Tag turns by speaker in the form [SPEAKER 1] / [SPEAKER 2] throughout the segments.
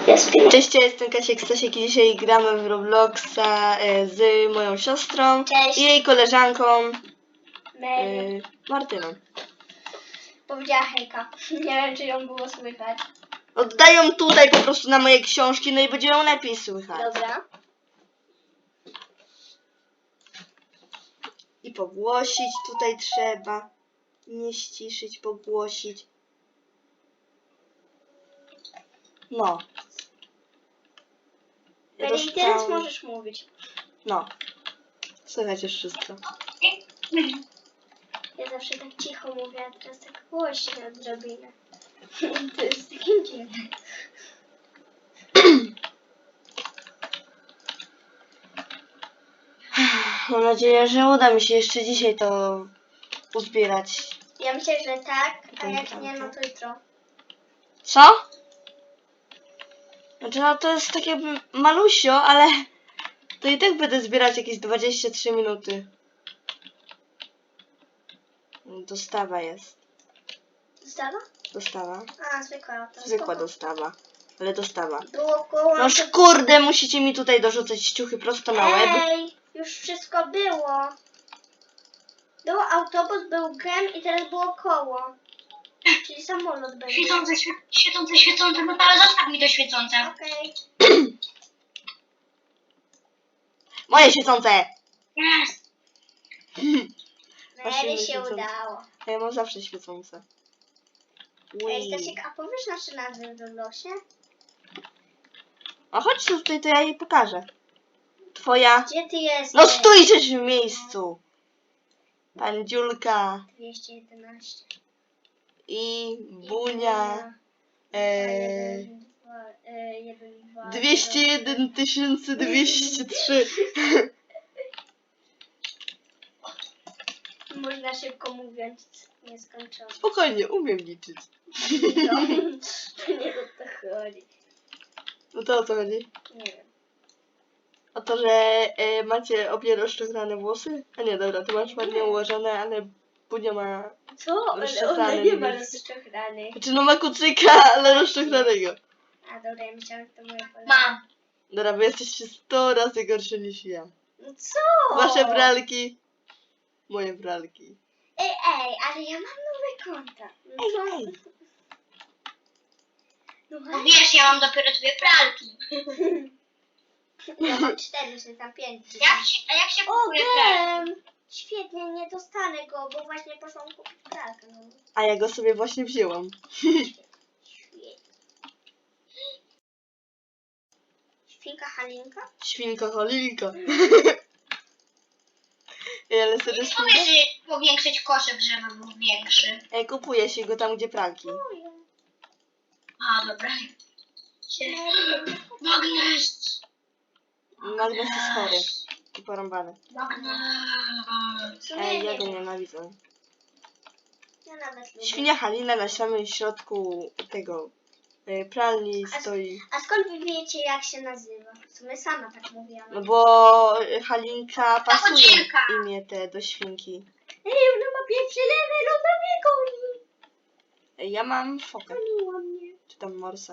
[SPEAKER 1] Jest 5.
[SPEAKER 2] Cześć, ja jestem Kasiek Stasiek i dzisiaj gramy w Robloxa z moją siostrą
[SPEAKER 1] Cześć.
[SPEAKER 2] i jej koleżanką
[SPEAKER 1] Mary.
[SPEAKER 2] Martyną.
[SPEAKER 1] Powiedziała hejka. Nie wiem, czy ją było słychać.
[SPEAKER 2] Oddają tutaj po prostu na moje książki, no i będzie ją lepiej słychać.
[SPEAKER 1] Dobra.
[SPEAKER 2] I pogłosić tutaj trzeba. Nie ściszyć, pogłosić. No. Ja
[SPEAKER 1] Mary, i teraz
[SPEAKER 2] dostałam-
[SPEAKER 1] możesz mówić.
[SPEAKER 2] No. Słychać już wszystko.
[SPEAKER 1] Ja zawsze tak cicho mówię, a teraz tak głośno odrobinę. To jest takie dziwne.
[SPEAKER 2] Mam nadzieję, że uda mi się jeszcze dzisiaj to uzbierać.
[SPEAKER 1] Ja myślę, że tak, a jak nie, no to jutro.
[SPEAKER 2] Co? Znaczy no to jest takie malusio, ale to i tak będę zbierać jakieś 23 minuty. Dostawa jest.
[SPEAKER 1] Dostawa?
[SPEAKER 2] Dostawa.
[SPEAKER 1] A, zwykła. To
[SPEAKER 2] Zwykła
[SPEAKER 1] spoko.
[SPEAKER 2] dostawa. Ale dostawa.
[SPEAKER 1] Było koło...
[SPEAKER 2] No kurde, musicie mi tutaj dorzucać ciuchy prosto na łeb.
[SPEAKER 1] Ej, już wszystko było. Był autobus, był gem i teraz było koło. Czyli samolot będzie.
[SPEAKER 3] Świecące, no ale zostaw mi to świecące.
[SPEAKER 1] Okej.
[SPEAKER 2] Moje świecące!
[SPEAKER 3] Jest.
[SPEAKER 2] Właśnie
[SPEAKER 1] Mary się
[SPEAKER 2] świecące.
[SPEAKER 1] udało.
[SPEAKER 2] A ja mam zawsze świecące.
[SPEAKER 1] Ej,
[SPEAKER 2] Ui.
[SPEAKER 1] Stasiek, a powiesz nasze nazwy w Robloxie?
[SPEAKER 2] A chodź tutaj, to ja jej pokażę. Twoja...
[SPEAKER 1] Gdzie ty jesteś?
[SPEAKER 2] No stójcie w miejscu! Pandziulka
[SPEAKER 1] 211.
[SPEAKER 2] i Bunia. 201 203.
[SPEAKER 1] Można szybko mówiąc nieskończone.
[SPEAKER 2] Spokojnie, umiem liczyć.
[SPEAKER 1] No, to nie o to chodzi.
[SPEAKER 2] No to o co chodzi?
[SPEAKER 1] Nie wiem.
[SPEAKER 2] O to, że macie obie rozczochrane włosy? A nie, dobra, ty masz ładnie ułożone, ale Bunia ma...
[SPEAKER 1] Co? Ale ona
[SPEAKER 2] Rozczochrane
[SPEAKER 1] nie ma
[SPEAKER 2] niebieskie.
[SPEAKER 1] rozczochranych.
[SPEAKER 2] Znaczy no ma kucyka, ale rozczochranego.
[SPEAKER 1] A dobra, ja myślałam, że to moja kolega.
[SPEAKER 3] Mam.
[SPEAKER 2] Dobra, bo jesteście 100 razy gorsze niż ja.
[SPEAKER 1] No co?
[SPEAKER 2] Wasze bralki, moje bralki.
[SPEAKER 1] Ej, ale ja mam nowe konta. No
[SPEAKER 2] Ej,
[SPEAKER 1] to-
[SPEAKER 2] ej.
[SPEAKER 1] No
[SPEAKER 3] Bo wiesz, ja mam dopiero 2 pralki.
[SPEAKER 1] ja mam 4, czy tam 5.
[SPEAKER 3] A jak się
[SPEAKER 1] O,
[SPEAKER 3] kupuje pralki?
[SPEAKER 1] gem! Świetnie, nie dostanę go, bo właśnie poszłam kupić pralkę. No.
[SPEAKER 2] A ja go sobie właśnie wzięłam.
[SPEAKER 1] Świetnie. Świnka Halinka?
[SPEAKER 2] Świnka Halinka. Ej, ale serio
[SPEAKER 3] Nie powiesz, że powiększyć koszyk, żeby był większy.
[SPEAKER 2] Ej, kupuje się go tam, gdzie pralki.
[SPEAKER 1] Moje.
[SPEAKER 3] A, dobra. Magnes!
[SPEAKER 2] Magnes jest chory i porąbany.
[SPEAKER 3] Magnes!
[SPEAKER 1] W sumie
[SPEAKER 2] Ej, ja
[SPEAKER 1] nie
[SPEAKER 2] go
[SPEAKER 1] wiem.
[SPEAKER 2] nienawidzę.
[SPEAKER 1] Ja nawet lubię.
[SPEAKER 2] Świnia Halina na samym środku tego pralni stoi.
[SPEAKER 1] A skąd wy wiecie, jak się nazywa? W sumie sama tak mówiłam.
[SPEAKER 2] No bo Halinka pasuje
[SPEAKER 3] chodzinka.
[SPEAKER 2] imię te do świnki.
[SPEAKER 1] Ej, ona ma pierwszy level, ona mnie goni.
[SPEAKER 2] Ej, ja mam fokę.
[SPEAKER 1] Goniła mnie.
[SPEAKER 2] Czy tam morsa?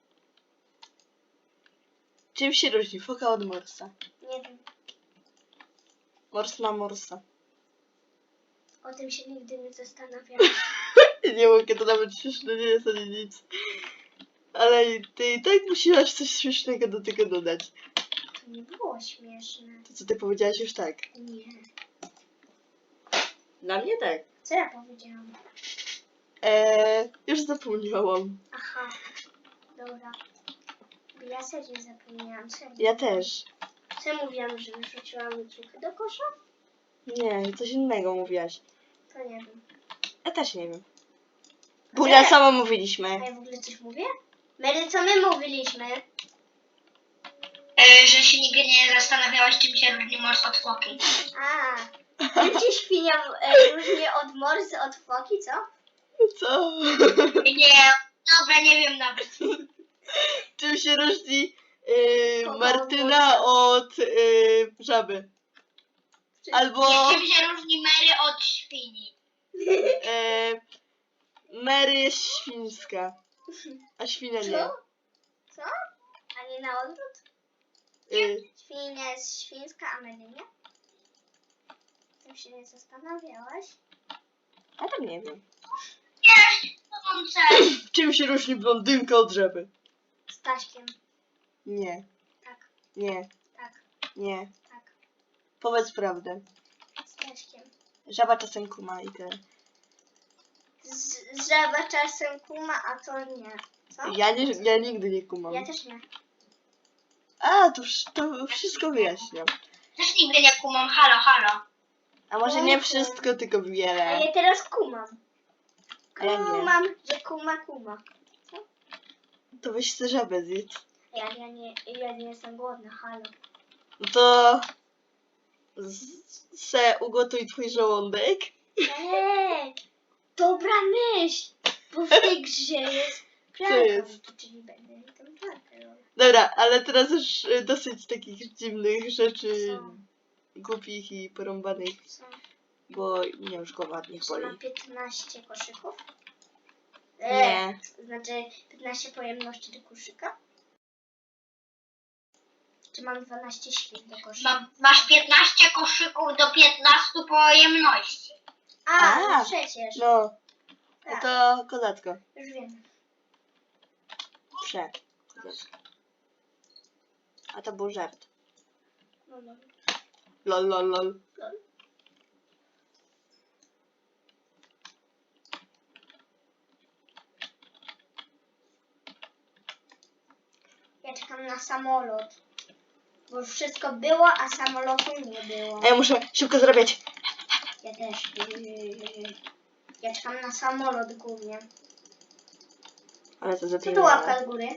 [SPEAKER 2] Czym się różni foka od morsa?
[SPEAKER 1] Nie wiem,
[SPEAKER 2] Mors ma morsa.
[SPEAKER 1] o tym się nigdy nie zastanawiałam.
[SPEAKER 2] Nie mogę, to nawet śmieszne nie jest ani nic. Ale ty i tak musiałaś coś śmiesznego do tego dodać.
[SPEAKER 1] To nie było śmieszne.
[SPEAKER 2] To co ty powiedziałaś już tak.
[SPEAKER 1] Nie.
[SPEAKER 2] Dla mnie tak.
[SPEAKER 1] Co ja powiedziałam?
[SPEAKER 2] Już zapomniałam.
[SPEAKER 1] Aha. Dobra. Ja serio zapomniałam. Serio.
[SPEAKER 2] Ja też.
[SPEAKER 1] Co ja mówiłam, że wyrzuciłam cukrę do kosza?
[SPEAKER 2] Nie, coś innego mówiłaś.
[SPEAKER 1] To nie wiem.
[SPEAKER 2] Ja też nie wiem. Bunia sama mówiliśmy.
[SPEAKER 1] A ja w ogóle coś mówię? Mary, co my mówiliśmy?
[SPEAKER 3] Że się nigdy nie zastanawiałaś, czym się różni mors od foki.
[SPEAKER 1] A. Czym się świnia różni od morsy, od foki, co?
[SPEAKER 2] Co?
[SPEAKER 3] Nie, dobra, nie wiem nawet.
[SPEAKER 2] Czym się różni
[SPEAKER 1] Foka od
[SPEAKER 2] Martyna od żaby? Albo
[SPEAKER 3] Czym się różni Mary od świni?
[SPEAKER 2] Mary jest świńska, a świnia nie.
[SPEAKER 1] Co? Co? nie na odwrót? Świnia jest świńska, a Mary nie? Tym się nie zastanawiałaś?
[SPEAKER 2] A tam nie wiem.
[SPEAKER 3] Nie, to mam cel.
[SPEAKER 2] Czym się różni blondynka od żaby?
[SPEAKER 1] Staśkiem.
[SPEAKER 2] Nie,
[SPEAKER 1] Tak,
[SPEAKER 2] nie,
[SPEAKER 1] tak,
[SPEAKER 2] nie.
[SPEAKER 1] tak.
[SPEAKER 2] Powiedz prawdę.
[SPEAKER 1] Staśkiem.
[SPEAKER 2] Żaba czasem kuma i tyle.
[SPEAKER 1] Żaba czasem kuma, a to nie. Co?
[SPEAKER 2] Ja nigdy nie kumam.
[SPEAKER 1] Ja też nie.
[SPEAKER 2] A, to wszystko wyjaśniam.
[SPEAKER 3] Też nigdy nie kumam. Halo, halo.
[SPEAKER 2] A może nie wszystko, tylko wiele.
[SPEAKER 1] A ja teraz kumam.
[SPEAKER 2] A ja nie.
[SPEAKER 1] Kumam, że kuma.
[SPEAKER 2] To weź tę żabę zjedz.
[SPEAKER 1] Ja nie jestem głodna, halo.
[SPEAKER 2] No to se ugotuj twój żołądek.
[SPEAKER 1] Ej, dobra myśl, bo w tej grze jest pralka,
[SPEAKER 2] jest?
[SPEAKER 1] czyli będę tam pralkę robić.
[SPEAKER 2] Dobra, ale teraz już dosyć takich dziwnych rzeczy,
[SPEAKER 1] Co?
[SPEAKER 2] głupich i porąbanych,
[SPEAKER 1] Co?
[SPEAKER 2] bo mnie już głowa niech
[SPEAKER 1] Czy
[SPEAKER 2] boli.
[SPEAKER 1] mam 15 koszyków?
[SPEAKER 2] Nie.
[SPEAKER 1] Znaczy 15 pojemności do koszyka? Czy mam 12 świn do koszyka?
[SPEAKER 3] Masz 15 koszyków do 15 pojemności.
[SPEAKER 1] No przecież.
[SPEAKER 2] No, no
[SPEAKER 1] Tak,
[SPEAKER 2] to kozacko.
[SPEAKER 1] już wiem.
[SPEAKER 2] Kozacko. A to był żart.
[SPEAKER 1] No dobra.
[SPEAKER 2] Lol, lol, lol.
[SPEAKER 1] Ja czekam na samolot. Bo już wszystko było, a samolotu nie było.
[SPEAKER 2] A ja muszę szybko zarabiać.
[SPEAKER 1] Ja też. Ja czekam na samolot głównie.
[SPEAKER 2] Ale to
[SPEAKER 1] Co
[SPEAKER 2] zapiję.
[SPEAKER 1] to łapka do góry?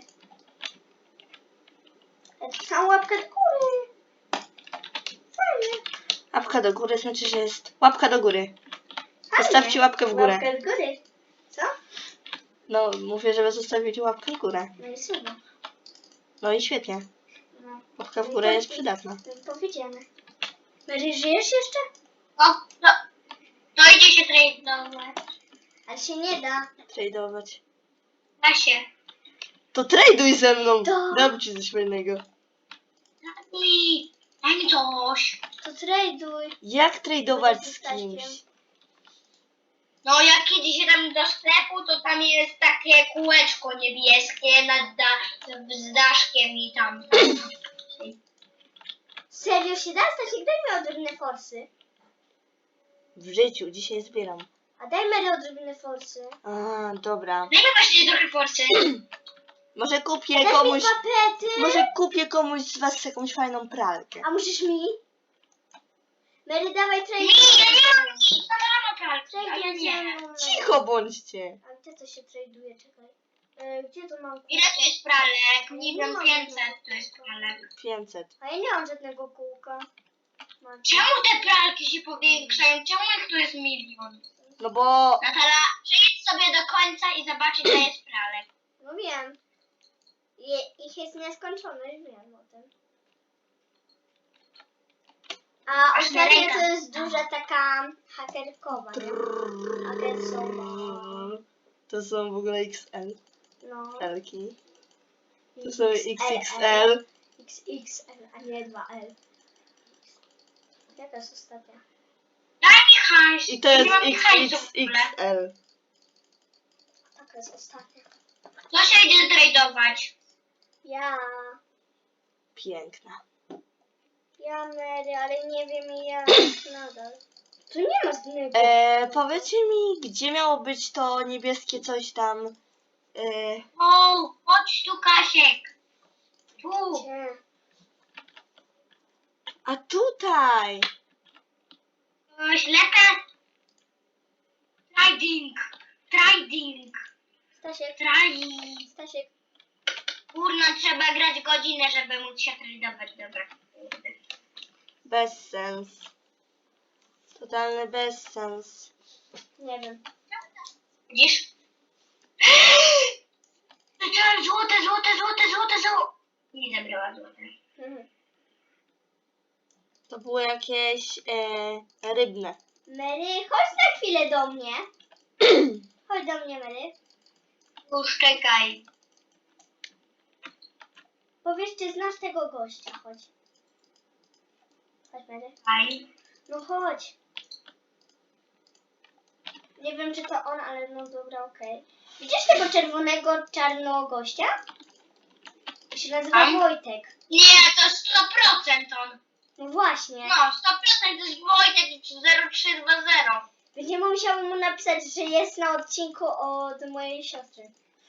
[SPEAKER 1] Ja czekam łapkę do góry. Fajnie.
[SPEAKER 2] Łapka do góry znaczy, że jest łapka do góry.
[SPEAKER 1] Fajnie.
[SPEAKER 2] Zostawcie łapkę w górę.
[SPEAKER 1] Łapkę do góry. Co?
[SPEAKER 2] No, mówię, żeby zostawić łapkę w górę.
[SPEAKER 1] No i super.
[SPEAKER 2] No i świetnie.
[SPEAKER 1] No.
[SPEAKER 2] Łapka w górę jest przydatna.
[SPEAKER 1] Powiedziane. Mary, żyjesz jeszcze?
[SPEAKER 3] O, to idzie się tradeować.
[SPEAKER 1] Ale się nie da.
[SPEAKER 2] Tradeować.
[SPEAKER 3] Da się.
[SPEAKER 2] To traduj ze mną!
[SPEAKER 1] To.
[SPEAKER 2] Dam ci coś fajnego.
[SPEAKER 3] Daj mi coś.
[SPEAKER 1] To traduj.
[SPEAKER 2] Jak tradować
[SPEAKER 1] Będę
[SPEAKER 2] z
[SPEAKER 1] Staśkiem.
[SPEAKER 2] kimś?
[SPEAKER 3] No jak idzie się tam do sklepu, to tam jest takie kółeczko niebieskie z daszkiem i tam.
[SPEAKER 1] Serio się da? Stasiek, daj mi odrobinę forsy.
[SPEAKER 2] W życiu, dzisiaj zbieram.
[SPEAKER 1] A daj Mary odrobinę forsy.
[SPEAKER 2] A, dobra.
[SPEAKER 3] Dajmy właśnie trochę forcy.
[SPEAKER 2] Może kupię
[SPEAKER 1] Daj mi
[SPEAKER 2] komuś...
[SPEAKER 1] papety.
[SPEAKER 2] Może kupię komuś z was jakąś fajną pralkę.
[SPEAKER 1] A musisz mi? Mary, dawaj traduj.
[SPEAKER 3] Ja nie mam nic, na pralki, a ja nie.
[SPEAKER 2] Cicho bądźcie.
[SPEAKER 1] A gdzie to się traduje? Czekaj. Gdzie to mam?
[SPEAKER 3] Ile to jest pralek? Nie
[SPEAKER 1] Nie
[SPEAKER 3] wiem,
[SPEAKER 1] mam
[SPEAKER 3] 500
[SPEAKER 1] żadnego.
[SPEAKER 3] to jest pralek.
[SPEAKER 2] 500.
[SPEAKER 1] A ja nie mam żadnego kółka. Mam.
[SPEAKER 3] Czemu te pralki się powiększają? Czemu ich tu jest milion?
[SPEAKER 2] No bo...
[SPEAKER 3] Natala, przejdź sobie do końca i zobaczyć, ile jest pralek.
[SPEAKER 1] No wiem. Ich jest nieskończone, już wiem o tym. A
[SPEAKER 3] Aż na
[SPEAKER 1] ostatnio
[SPEAKER 3] rękach.
[SPEAKER 1] to jest duża taka hakerkowa, nie? Hakersowa.
[SPEAKER 2] To są w ogóle XL.
[SPEAKER 1] No.
[SPEAKER 2] Elki. To są XXL.
[SPEAKER 1] XXL, a nie 2L. Jaka jest ostatnia?
[SPEAKER 3] Daj mi hajs.
[SPEAKER 2] I to jest
[SPEAKER 3] Nie mam hajsu w ogóle.
[SPEAKER 2] XXL.
[SPEAKER 1] Taka jest ostatnia.
[SPEAKER 3] To się idzie tradować.
[SPEAKER 1] Ja.
[SPEAKER 2] Piękna.
[SPEAKER 1] Ja Mary, ale nie wiem jak nadal. Tu nie ma żadnego.
[SPEAKER 2] Powiedzcie mi, gdzie miało być to niebieskie coś tam?
[SPEAKER 3] O, chodź tu, Kasiek. Tu.
[SPEAKER 1] Gdzie?
[SPEAKER 2] A tutaj!
[SPEAKER 3] Ślepe. Trading.
[SPEAKER 1] Stasiek, Stasiek.
[SPEAKER 3] Kurna, trzeba grać godzinę, żeby móc się tradować. Dobra.
[SPEAKER 2] Bez sens. Totalny bezsens.
[SPEAKER 1] Nie wiem.
[SPEAKER 3] Widzisz? Złote. Nie zabrała złote.
[SPEAKER 1] Mhm.
[SPEAKER 2] To było jakieś rybne.
[SPEAKER 1] Mary, chodź na chwilę do mnie. Chodź do mnie, Mary.
[SPEAKER 3] Już czekaj.
[SPEAKER 1] Powiedz, czy znasz tego gościa, chodź. Chodź, Mary.
[SPEAKER 3] Aj.
[SPEAKER 1] No chodź. Nie wiem, czy to on, ale no dobra, okej. Widzisz tego czerwonego, czarnego gościa? To się nazywa
[SPEAKER 3] Tam?
[SPEAKER 1] Wojtek.
[SPEAKER 3] Nie, to 100% on.
[SPEAKER 1] No właśnie.
[SPEAKER 3] No, 100% to jest Wojtek 0320.
[SPEAKER 1] Będziemy musiały mu napisać, że jest na odcinku od mojej siostry.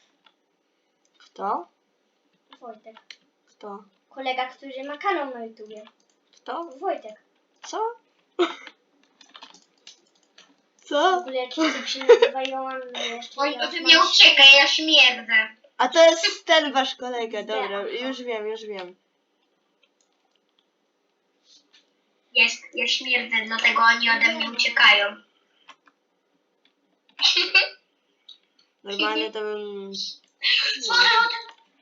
[SPEAKER 2] Kto?
[SPEAKER 1] Wojtek.
[SPEAKER 2] Kto?
[SPEAKER 1] Kolega, który ma kanał na YouTubie.
[SPEAKER 2] Kto?
[SPEAKER 1] Wojtek.
[SPEAKER 2] Co?
[SPEAKER 1] W
[SPEAKER 2] Co?
[SPEAKER 1] ogóle jakiś typ się nazywa Joanna jeszcze.
[SPEAKER 3] Oj,
[SPEAKER 1] ja
[SPEAKER 3] o tym
[SPEAKER 1] mam-
[SPEAKER 3] nie uciekaj, ja śmierdzę.
[SPEAKER 2] A to jest ten wasz kolega, dobra,
[SPEAKER 1] Aha.
[SPEAKER 2] już wiem, już wiem.
[SPEAKER 3] Jest, ja śmierdzę, dlatego oni ode mnie uciekają.
[SPEAKER 2] Normalnie to bym...
[SPEAKER 3] Złote.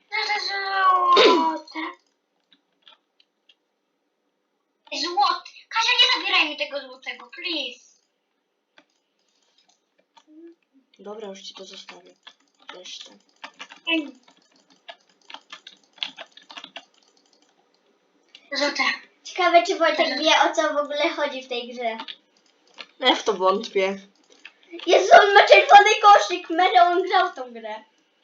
[SPEAKER 3] Złoty. Kasia, nie zabieraj mi tego złotego, please.
[SPEAKER 2] Dobra, już ci to zostawię. Resztę.
[SPEAKER 3] Złote.
[SPEAKER 1] Ciekawe, czy Wojtek wie, o co w ogóle chodzi w tej grze.
[SPEAKER 2] Ja w to wątpię.
[SPEAKER 1] Jezu, on ma czerwony koszyk. Mary, on grał w tą grę.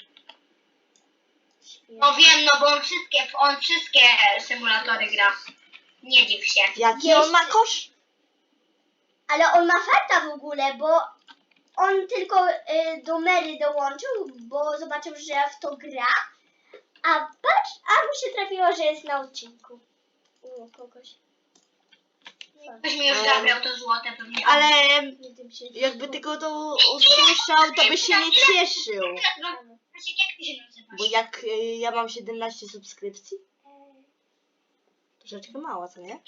[SPEAKER 3] No wiem, no bo on wszystkie symulatory gra. Nie dziw się.
[SPEAKER 2] Jaki on ma kosz?
[SPEAKER 1] Ale on ma farta w ogóle, bo on tylko do Mary dołączył, bo zobaczył, że w to gra. A patrz, a mu się trafiło, że jest na odcinku. Kogoś.
[SPEAKER 3] Ktoś mi już zabrał to złote pewnie.
[SPEAKER 2] Ale
[SPEAKER 1] Nie tym się.
[SPEAKER 2] jakby tylko to usłyszał, to by się nie cieszył.
[SPEAKER 3] Krzysiek, jak ty się nazywasz?
[SPEAKER 2] Bo jak ja mam 17 subskrypcji, troszeczkę mało, co nie?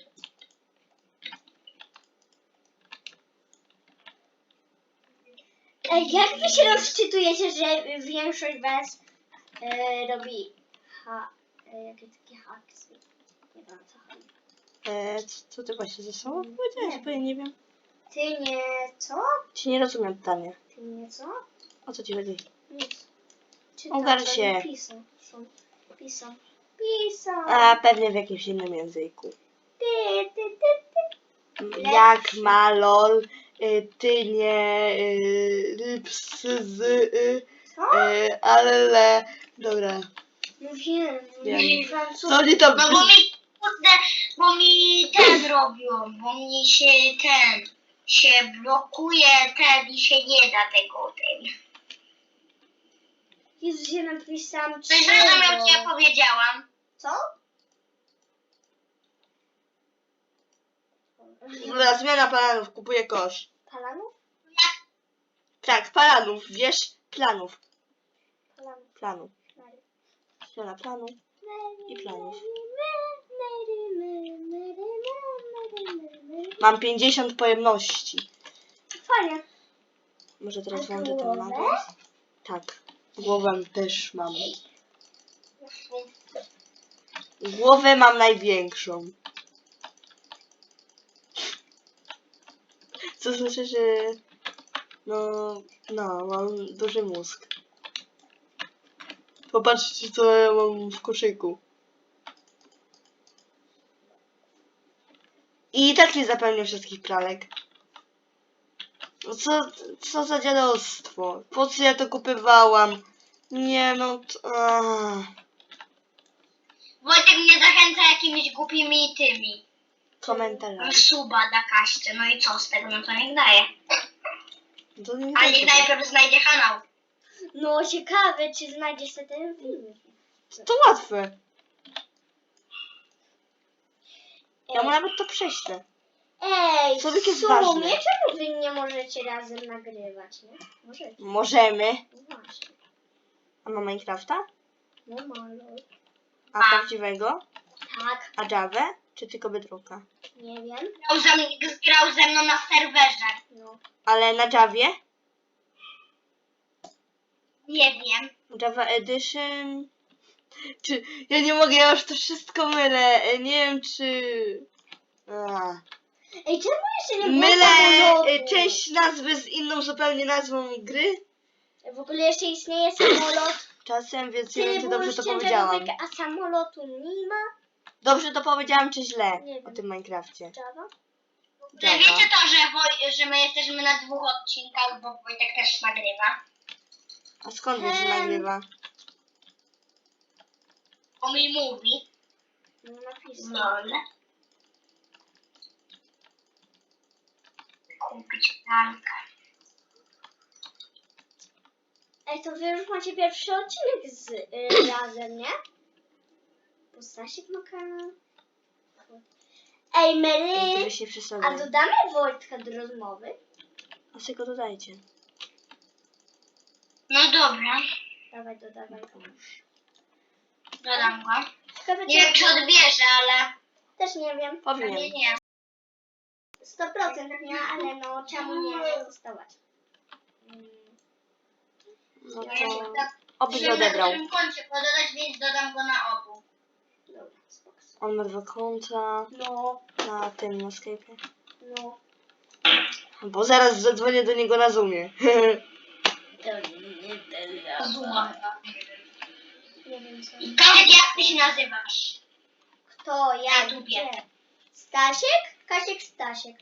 [SPEAKER 1] Jak wy się rozczytujecie, że większość was robi jakieś takie haksy? Nie wiem, o co chodzi.
[SPEAKER 2] Co ty właśnie ze sobą powiedziałeś? Bo ja nie wiem.
[SPEAKER 1] Ty nie co?
[SPEAKER 2] Ci nie rozumiem pytania.
[SPEAKER 1] Ty nie co?
[SPEAKER 2] O co ci chodzi?
[SPEAKER 1] Nic.
[SPEAKER 2] Ogarń się.
[SPEAKER 1] Pisą. Pisą.
[SPEAKER 2] A pewnie w jakimś innym języku.
[SPEAKER 1] Ty.
[SPEAKER 2] Jak ma lol, ty nie, ps,
[SPEAKER 1] Co?
[SPEAKER 2] ale, dobra.
[SPEAKER 1] No wiem.
[SPEAKER 2] Wiem.
[SPEAKER 1] Francuskie.
[SPEAKER 2] Co oni tam...
[SPEAKER 3] No bo mi, kurde, bo mi ten robią, bo mi się blokuje i się nie da tego
[SPEAKER 1] Jezu, ja napisałam
[SPEAKER 3] Coś zrozumiał, co ja powiedziałam.
[SPEAKER 1] Co?
[SPEAKER 2] Dobra, zmiana planów, kupuję kosz.
[SPEAKER 1] Palanów?
[SPEAKER 2] Tak, planów, wiesz? Planów.
[SPEAKER 1] Palanów.
[SPEAKER 2] Planów. Zmiana planów i planów. Mam 50 pojemności.
[SPEAKER 1] Fajnie.
[SPEAKER 2] Może teraz
[SPEAKER 1] A
[SPEAKER 2] włączę ten
[SPEAKER 1] głowę?
[SPEAKER 2] magnes? Tak. Głowę też mam. Głowę mam największą. Co znaczy, że... No, mam duży mózg. Popatrzcie, co ja mam w koszyku. I tak nie zapełnię wszystkich pralek. No co za dziadostwo? Po co ja to kupywałam? Nie no...
[SPEAKER 3] Wojtek mnie zachęca jakimiś głupimi tymi.
[SPEAKER 2] Komentarzami.
[SPEAKER 3] Suba da kaście, no i co z tego, no to niech daje.
[SPEAKER 2] To nie
[SPEAKER 3] Ale
[SPEAKER 2] wiem,
[SPEAKER 3] niech najpierw znajdzie kanał.
[SPEAKER 1] No ciekawe, czy znajdziesz sobie ten film.
[SPEAKER 2] to łatwe. Ja mu nawet to prześlę.
[SPEAKER 1] Ej,
[SPEAKER 2] Człowiek jest
[SPEAKER 1] w sumie,
[SPEAKER 2] ważny.
[SPEAKER 1] czemu wy nie możecie razem nagrywać, nie? Możecie.
[SPEAKER 2] Możemy.
[SPEAKER 1] No właśnie.
[SPEAKER 2] A ma Minecrafta?
[SPEAKER 1] No malo.
[SPEAKER 2] A prawdziwego?
[SPEAKER 1] Tak,
[SPEAKER 2] A Javę? Czy tylko Bedrocka?
[SPEAKER 1] nie wiem.
[SPEAKER 3] Grał ze mną na serwerze.
[SPEAKER 1] No.
[SPEAKER 2] Ale na Javie?
[SPEAKER 3] Nie wiem.
[SPEAKER 2] Java Edition? Czy... Ja nie mogę, ja już to wszystko mylę. Nie wiem, czy...
[SPEAKER 1] Ej, czemu jeszcze nie było
[SPEAKER 2] Mylę
[SPEAKER 1] samolotu?
[SPEAKER 2] część nazwy z inną zupełnie nazwą gry.
[SPEAKER 1] W ogóle jeszcze istnieje samolot
[SPEAKER 2] czasem, więc nie wiem, czy
[SPEAKER 1] Tyle
[SPEAKER 2] dobrze to
[SPEAKER 1] było
[SPEAKER 2] powiedziałam.
[SPEAKER 1] ciężarówek, a samolotu nie ma.
[SPEAKER 2] Dobrze to powiedziałam, czy źle
[SPEAKER 1] Nie
[SPEAKER 2] o
[SPEAKER 1] wiem.
[SPEAKER 2] tym Minecrafcie?
[SPEAKER 1] Java?
[SPEAKER 3] Że wiecie to, że my jesteśmy na 2 odcinkach, bo Wojtek też nagrywa.
[SPEAKER 2] A skąd wiesz, że nagrywa?
[SPEAKER 3] On mi mówi.
[SPEAKER 1] No napisał.
[SPEAKER 3] Lol. Kupić pralkę.
[SPEAKER 1] Ej, to wy już macie pierwszy odcinek z razem, nie? Bo Stasiek ma kanał. Ej,
[SPEAKER 2] Ej,
[SPEAKER 1] Mary!
[SPEAKER 2] ty byś nie
[SPEAKER 1] A
[SPEAKER 2] przesadzał.
[SPEAKER 1] dodamy Wojtka do rozmowy?
[SPEAKER 2] A sobie go dodajcie.
[SPEAKER 3] No dobra,
[SPEAKER 1] Dawaj, dodawaj go.
[SPEAKER 3] dodam go.
[SPEAKER 1] Ciekawe,
[SPEAKER 3] Nie wiem, czy odbierze, ale
[SPEAKER 1] Też nie wiem.
[SPEAKER 3] pewnie
[SPEAKER 2] Powinien.
[SPEAKER 3] nie.
[SPEAKER 1] 100% nie, ale no czemu nie zostawać?
[SPEAKER 2] No
[SPEAKER 3] Ja się
[SPEAKER 2] to...
[SPEAKER 3] tak-
[SPEAKER 2] Oby
[SPEAKER 3] Żeby
[SPEAKER 2] nie odebrał.
[SPEAKER 3] na którym koncie pododać, więc dodam go na obu.
[SPEAKER 1] Dobra, spoko.
[SPEAKER 2] On ma 2 konta
[SPEAKER 1] No,
[SPEAKER 2] na tym, na Skype'ie.
[SPEAKER 1] no.
[SPEAKER 2] Bo zaraz zadzwonię do niego na Zoomie.
[SPEAKER 3] Zuma.
[SPEAKER 1] Nie wiem co.
[SPEAKER 3] Kasiek, jak ty się nazywasz?
[SPEAKER 1] Kto? Ja?
[SPEAKER 3] YouTubie.
[SPEAKER 1] Gdzie? Stasiek? Kasiek Stasiek.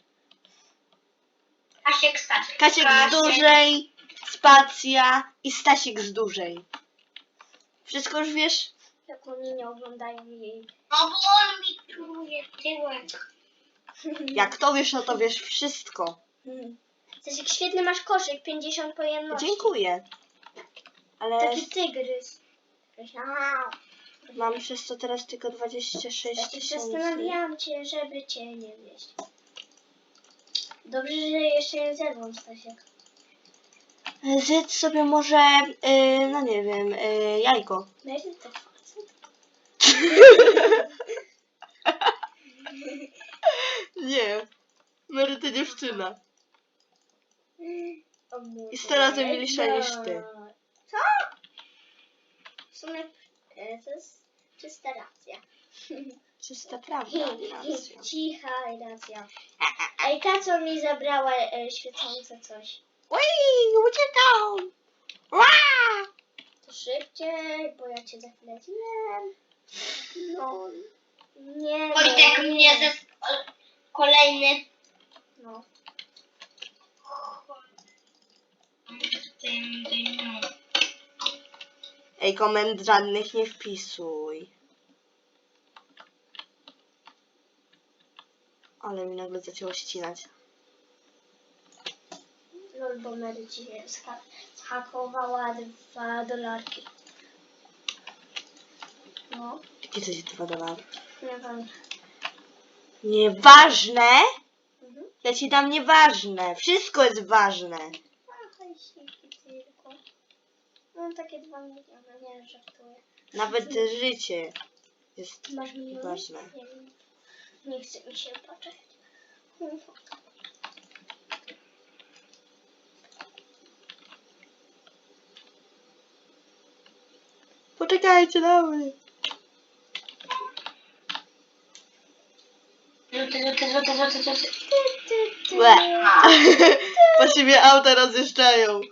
[SPEAKER 3] Kasiek Stasiek.
[SPEAKER 2] Kasiek z dużej, spacja i Stasiek z dużej. Wszystko już wiesz?
[SPEAKER 1] Jak oni nie oglądają jej.
[SPEAKER 3] No bo on mi czuje tyłek.
[SPEAKER 2] Jak to wiesz, no to wiesz wszystko.
[SPEAKER 1] Stasiek, świetny masz koszyk, 50 pojemności.
[SPEAKER 2] Dziękuję. Ale
[SPEAKER 1] Taki tygrys.
[SPEAKER 2] mam przez to teraz tylko 26
[SPEAKER 1] Stasiek,
[SPEAKER 2] 000.
[SPEAKER 1] zastanawiałam cię, żeby cię nie wieść. Dobrze, że jeszcze nie zerwą, Stasiek.
[SPEAKER 2] Zjedz sobie może, no nie wiem, jajko.
[SPEAKER 1] Mary to facet?
[SPEAKER 2] Nie. Mary to dziewczyna.
[SPEAKER 1] O mój
[SPEAKER 2] I 100 razy
[SPEAKER 1] Boże.
[SPEAKER 2] milsza niż ty.
[SPEAKER 1] Co? W sumie to jest czysta racja.
[SPEAKER 2] Czysta prawda. racja.
[SPEAKER 1] Cicha racja. Ej, ta co mi zabrała świecące coś.
[SPEAKER 2] Ui, uciekał! Ła!
[SPEAKER 1] To szybciej, bo ja cię za chwilę zjem. No. Nie,
[SPEAKER 3] Wojtek
[SPEAKER 1] no,
[SPEAKER 3] mnie
[SPEAKER 1] nie.
[SPEAKER 3] kolejny.
[SPEAKER 1] No.
[SPEAKER 2] Ej, komend żadnych nie wpisuj. Ale mi nagle zaczęło ścinać.
[SPEAKER 1] Lol, bo Mary ci zhakowała $2. No,
[SPEAKER 2] Jakie to jest $2?
[SPEAKER 1] nie wiem.
[SPEAKER 2] Nieważne?
[SPEAKER 1] Mhm.
[SPEAKER 2] Ja ci dam nieważne. Wszystko jest ważne.
[SPEAKER 1] A, hajsiki tylko. No takie 2 miliony, nie żartuję.
[SPEAKER 2] Nawet życie jest
[SPEAKER 1] Masz miliony?
[SPEAKER 2] ważne.
[SPEAKER 1] Nie wiem. Nie chce mi się patrzeć.
[SPEAKER 2] Poczekajcie na mnie. Łe. Bo się mnie auta rozjeżdżają.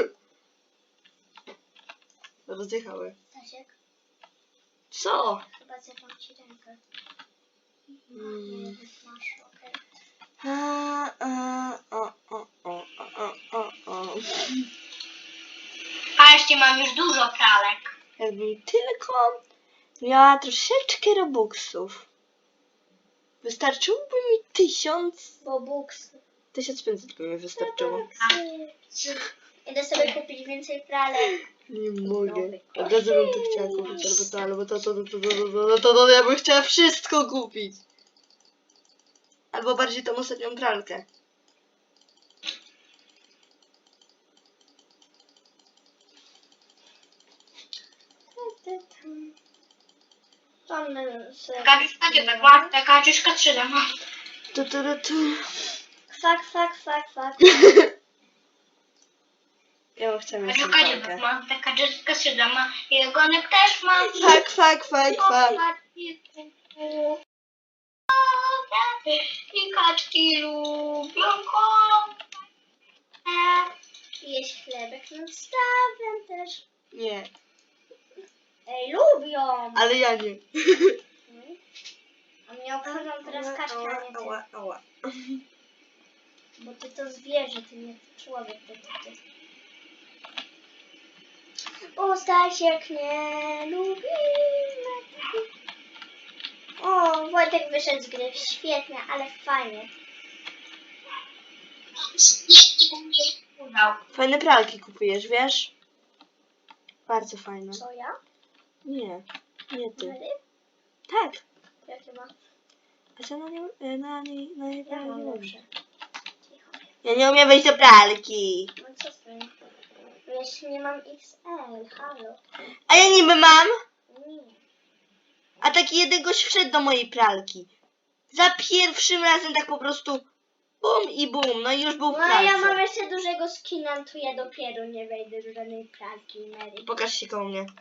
[SPEAKER 2] Rozjechały.
[SPEAKER 1] Stasiek,
[SPEAKER 2] Co?
[SPEAKER 1] chyba zerwam ci rękę.
[SPEAKER 2] Mm.
[SPEAKER 1] Nie, masz, okej.
[SPEAKER 2] O.
[SPEAKER 3] A jeszcze mam już dużo pralek.
[SPEAKER 2] Jakbym tylko miała troszeczkę robuxów. Wystarczyłoby mi 1000.
[SPEAKER 1] Bo buks.
[SPEAKER 2] 1500 by mi wystarczyło.
[SPEAKER 1] Idę sobie kupić więcej pralek.
[SPEAKER 2] Nie mogę.
[SPEAKER 1] Nowy
[SPEAKER 2] Od razu bym to chciała kupić, albo to, albo to, ja bym chciała wszystko kupić. Albo bardziej tą ostatnią pralkę.
[SPEAKER 1] Tam sobie...
[SPEAKER 3] Taka czyszka 3D ma.
[SPEAKER 2] Tu.
[SPEAKER 1] Kwak.
[SPEAKER 2] Ja chcę mieć tą
[SPEAKER 3] Taka
[SPEAKER 2] pralkę.
[SPEAKER 3] ma. Taka czyszka 3D ma. I ogonek też ma.
[SPEAKER 2] Fak.
[SPEAKER 3] I kaczki lubią kąpać.
[SPEAKER 1] Jeść chlebek nad stawem też.
[SPEAKER 2] Nie.
[SPEAKER 1] Ej, lubią!
[SPEAKER 2] Ale ja nie.
[SPEAKER 1] A mnie obchodzą teraz kaczki, a nie ty.
[SPEAKER 2] Ała, ała.
[SPEAKER 1] Bo ty to zwierzę, ty nie człowiek. Ty. Bo Stasiek nie lubi. O, Wojtek wyszedł z gry. Świetnie, ale fajnie.
[SPEAKER 2] Fajne pralki kupujesz, wiesz? Bardzo fajne.
[SPEAKER 1] Co ja?
[SPEAKER 2] Nie, nie ty.
[SPEAKER 1] Mary?
[SPEAKER 2] Tak.
[SPEAKER 1] Jakie ma?
[SPEAKER 2] A co na niej
[SPEAKER 1] Ja mam
[SPEAKER 2] nie
[SPEAKER 1] dobrze. Cicho.
[SPEAKER 2] Ja nie umiem wejść do pralki.
[SPEAKER 1] No co z tym? Jeśli nie mam XL, halo.
[SPEAKER 2] A ja niby mam.
[SPEAKER 1] Nie.
[SPEAKER 2] A taki jeden gość wszedł do mojej pralki. Za pierwszym razem tak po prostu bum i bum. No i już był w
[SPEAKER 1] No a ja
[SPEAKER 2] pralce.
[SPEAKER 1] mam jeszcze dużego skina, to ja dopiero nie wejdę do żadnej pralki, Mary.
[SPEAKER 2] Pokaż się koło mnie.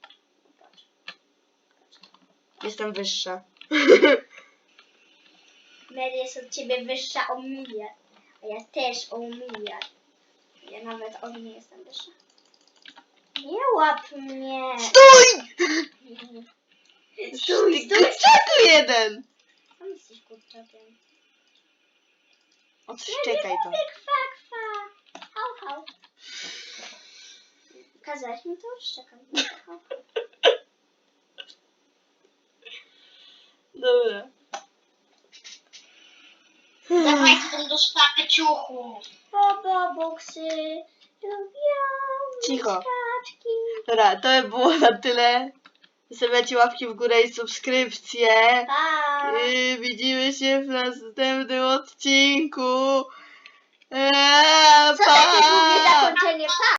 [SPEAKER 2] Jestem wyższa.
[SPEAKER 1] Mary jest od ciebie wyższa o miliard. A ja też o miliard. Ja nawet od niej jestem wyższa. Nie łap mnie.
[SPEAKER 2] Stój!
[SPEAKER 1] Stój,
[SPEAKER 2] Ty
[SPEAKER 1] stój.
[SPEAKER 2] kurczaku jeden!
[SPEAKER 1] Sam jesteś kurczakiem.
[SPEAKER 2] Odszczekaj to.
[SPEAKER 1] Mówię kwa, kwa. Hał, hał. Kazałeś mi to? Szczekam. Hał.
[SPEAKER 2] Dobra.
[SPEAKER 3] Dawaj tą dostawę ciuchu.
[SPEAKER 1] Boksy lubią
[SPEAKER 2] Cicho.
[SPEAKER 1] kaczki.
[SPEAKER 2] Dobra, to by było na tyle. Zostawiacie łapki w górę i subskrypcje.
[SPEAKER 1] Pa!
[SPEAKER 2] Widzimy się w następnym odcinku.
[SPEAKER 1] Co takie długie zakończenie? Pa!